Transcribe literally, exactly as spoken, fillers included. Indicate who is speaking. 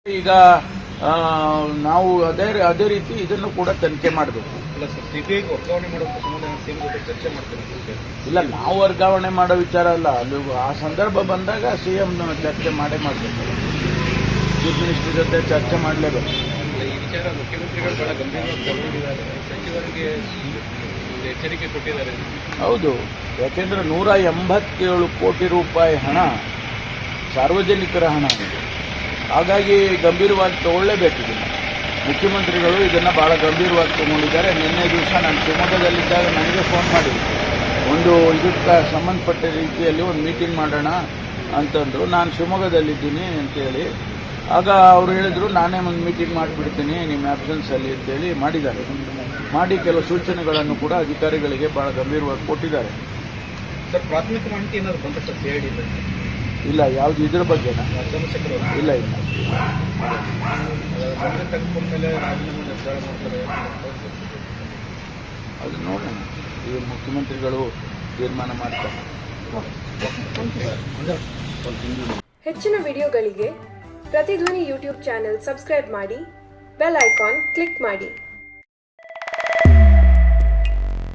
Speaker 1: ಈಗ ನಾವು ಅದೇ ಅದೇ ರೀತಿ ಇದನ್ನು ಕೂಡ ತನಿಖೆ ಮಾಡಬೇಕು. ಇಲ್ಲ, ನಾವು ವರ್ಗಾವಣೆ ಮಾಡೋ ವಿಚಾರ ಅಲ್ಲ. ಅಲ್ಲಿ ಆ ಸಂದರ್ಭ ಬಂದಾಗ ಸಿಎಂ ಚರ್ಚೆ ಮಾಡೇ ಮಾಡಬೇಕು. ಚೀಫ್ ಮಿನಿಸ್ಟರ್ ಜೊತೆ ಚರ್ಚೆ ಮಾಡಲೇಬೇಕು.
Speaker 2: ಈ ವಿಚಾರ ಮುಖ್ಯಮಂತ್ರಿಗಳು ಬಹಳ ಗಂಭೀರವಾಗಿ ತಗೊಂಡಿದ್ದಾರೆ, ಸಚಿವರಿಗೆ ಎಚ್ಚರಿಕೆ ಕೊಟ್ಟಿದ್ದಾರೆ.
Speaker 1: ಹೌದು, ಯಾಕೆಂದ್ರೆ ನೂರ ಎಂಬತ್ತೇಳು ಕೋಟಿ ರೂಪಾಯಿ ಹಣ ಸಾರ್ವಜನಿಕರ ಹಣ ಇದೆ. ಹಾಗಾಗಿ ಗಂಭೀರವಾಗಿ ತಗೊಳ್ಳೇಬೇಕಿದೆ. ಮುಖ್ಯಮಂತ್ರಿಗಳು ಇದನ್ನು ಬಹಳ ಗಂಭೀರವಾಗಿ ತಗೊಂಡಿದ್ದಾರೆ. ನಿನ್ನೆ ದಿವಸ ನಾನು ಶಿವಮೊಗ್ಗದಲ್ಲಿದ್ದಾಗ ನನಗೆ ಫೋನ್ ಮಾಡಿ ಒಂದು ಇದಕ್ಕೆ ಸಂಬಂಧಪಟ್ಟ ರೀತಿಯಲ್ಲಿ ಒಂದು ಮೀಟಿಂಗ್ ಮಾಡೋಣ ಅಂತಂದರು. ನಾನು ಶಿವಮೊಗ್ಗದಲ್ಲಿದ್ದೀನಿ ಅಂತೇಳಿ ಆಗ ಅವರು ಹೇಳಿದರು, ನಾನೇ ಒಂದು ಮೀಟಿಂಗ್ ಮಾಡಿಬಿಡ್ತೀನಿ ನಿಮ್ಮ ಆಬ್ಸೆನ್ಸಲ್ಲಿ ಅಂತೇಳಿ ಮಾಡಿದ್ದಾರೆ. ಮಾಡಿ ಕೆಲವು ಸೂಚನೆಗಳನ್ನು ಕೂಡ ಅಧಿಕಾರಿಗಳಿಗೆ ಬಹಳ ಗಂಭೀರವಾಗಿ ಕೊಟ್ಟಿದ್ದಾರೆ.
Speaker 2: ಸರ್, ಪ್ರಾಥಮಿಕ ಮಾಹಿತಿ ಏನಾದ್ರು ಬಂತ ಸರ್ ಸಿಐಡಿ?
Speaker 1: ಇಲ್ಲ, ಯಾವುದು ಇದ್ರ ಬಗ್ಗೆ
Speaker 2: ಚಂದ್ರಶೇಖರ್
Speaker 1: ಇಲ್ಲ ಇಲ್ಲ
Speaker 2: ತೆಗೆದುಕೊಂಡ್ಮೇಲೆ ರಾಜೀನಾಮೆ ನಿರ್ಧಾರ ಮಾಡ್ತಾರೆ.
Speaker 1: ಅದು ನೋಡೋಣ, ಈ ಮುಖ್ಯಮಂತ್ರಿಗಳು ತೀರ್ಮಾನ ಮಾಡ್ತಾರೆ.
Speaker 3: ಹೆಚ್ಚಿನ ವಿಡಿಯೋಗಳಿಗೆ ಪ್ರತಿಧ್ವನಿ ಯೂಟ್ಯೂಬ್ ಚಾನೆಲ್ ಸಬ್ಸ್ಕ್ರೈಬ್ ಮಾಡಿ, ಬೆಲ್ ಐಕಾನ್ ಕ್ಲಿಕ್ ಮಾಡಿ.